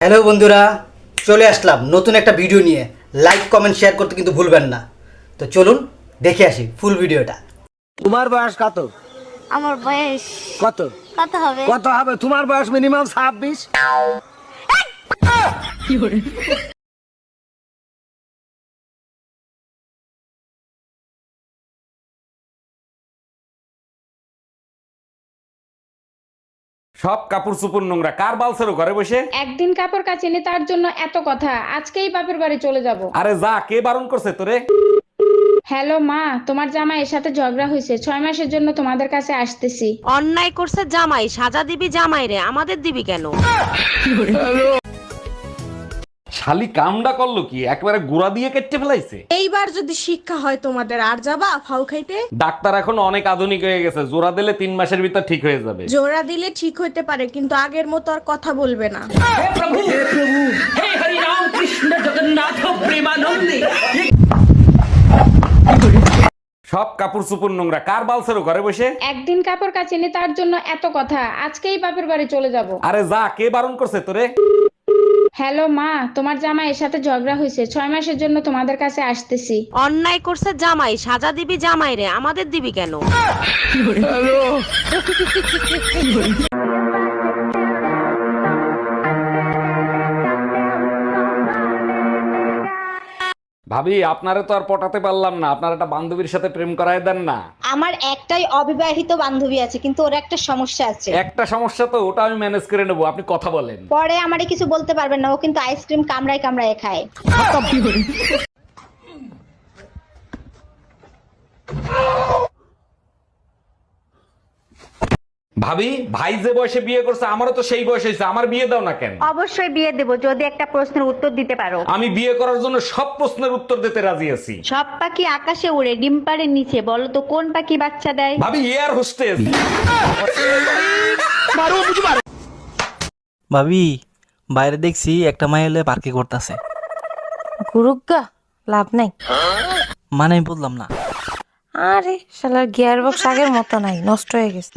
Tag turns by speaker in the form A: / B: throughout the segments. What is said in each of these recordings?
A: Hello বন্ধুরা, চলে আসলাম নতুন একটা ভিডিও নিয়ে। লাইক কমেন্ট শেয়ার করতে কিন্তু ভুলবেন না। তো চলুন দেখে আসি ফুল ভিডিওটা।
B: তোমার বয়স কত?
C: আমার বয়স
B: কত
C: কত হবে?
B: কত হবে? তোমার বয়স মিনিমাম 26।
D: সব কাপড় চোপড় নোংরা, কার বালছেরো ঘরে বসে?
E: একদিন কাপড় কাচিনি তার জন্য এত কথা, আজকেই বাপের বাড়ি চলে যাব।
D: আরে যা, কে বারণ করছে তোরে?
E: হ্যালো মা, তোমার জামাইয়ের সাথে ঝগড়া হয়েছে, 6 মাসের জন্য তোমাদের কাছে আসতেছি।
F: অন্যায় করছে জামাই, সাজা দিবি জামাই রে, আমাদের দিবি কেন?
D: শালি কামডা করলো কি, একবারে গুড়া দিয়ে কেটে ফেলাইছে।
G: এইবার যদি শিক্ষা হয় তোমাদের, আর যাবা ফাউ খাইতে?
D: ডাক্তার এখন অনেক আধুনিক হয়ে গেছে, জোড়া দিলে 3 মাসের ভিতর ঠিক হয়ে যাবে।
G: জোড়া দিলে ঠিক হইতে পারে, কিন্তু আগের মতো আর কথা বলবে না।
D: সব কাপড় চোপড় নোংরা, কার বালছেরো ঘরে বসে?
E: একদিন কাপড় কাচিনি তার জন্য এত কথা, আজকেই বাপের বাড়ি চলে যাব।
D: আরে যা, কে বারণ করছে তোরে?
E: হ্যালো মা, তোমার জামাইয়ের সাথে ঝগড়া হয়েছে, 6 মাসের জন্য তোমাদের কাছে আসতেছি।
F: অন্যায় করছে জামাই, সাজা দিবি জামাই রে, আমাদের দিবি কেন?
D: ভাবি, আপনারে তো আর পটাতে পারলাম না, আপনার একটা বান্ধবীর সাথে প্রেম করায় দেন না।
H: আমার একটাই অবিবাহিত বান্ধবী আছে, কিন্তু ওর একটা সমস্যা আছে।
D: একটা সমস্যা তো, ওটা আমি ম্যানেজ করে নেবো, আপনি কথা বলেন।
H: পরে আমারে কিছু বলতে পারবেন না, ও কিন্তু আইসক্রিম কামড়ায় কামড়ায় খায়।
D: ভাবি, ভাই যে বয়সে বিয়ে করছে আমারও তো সেই বয়স হয়েছে, আমার বিয়ে দাও না কেন?
H: অবশ্যই বিয়ে দেব, যদি একটা প্রশ্নের উত্তর দিতে পারো।
D: আমি বিয়ে করার জন্য সব প্রশ্নের উত্তর দিতে রাজি আছি।
H: সব পাখি আকাশে উড়ে, ডিম পাড়ের নিচে, বলো তো কোন পাখি বাচ্চা দেয়?
D: ভাবি, এয়ার হোস্টেস।
I: ভাবি, বাইরে দেখছি একটা মাই এলে পার্কে করতেছে।
J: গুরুগা লাভ নাই।
I: মানে আমি বললাম না।
J: আরে শালার গিয়ার বক্স আগের মতো নাই, নষ্ট হয়ে গেছে।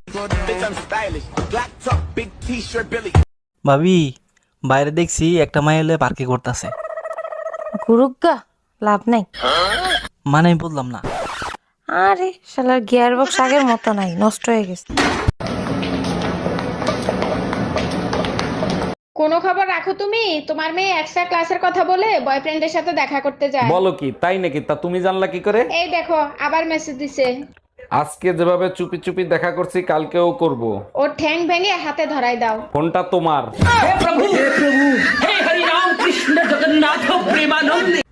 I: ভাবি, বাইরে দেখছি একটা মাই এলে পার্কে করতেছে।
J: গুরুগা লাভ নাই।
I: মানে আমি বললাম না।
J: আরে শালার গিয়ার বক্স আগের মতো নাই, নষ্ট হয়ে গেছে।
E: কোনো খবর রাখো তুমি? তোমার মেয়ে এক্সট্রা ক্লাসের কথা বলে বয়ফ্রেন্ডের সাথে দেখা করতে যায়।
D: বলো কি, তাই নাকি? তা তুমি জানলা কি করে?
E: এই দেখো, আবার মেসেজ দিছে।
D: আজকে যেভাবে চুপি চুপি দেখা করছি, কালকেও করব।
E: ওর ঠ্যাং ভেঙে হাতে ধরাই দাও।
D: ফোনটা তোমার।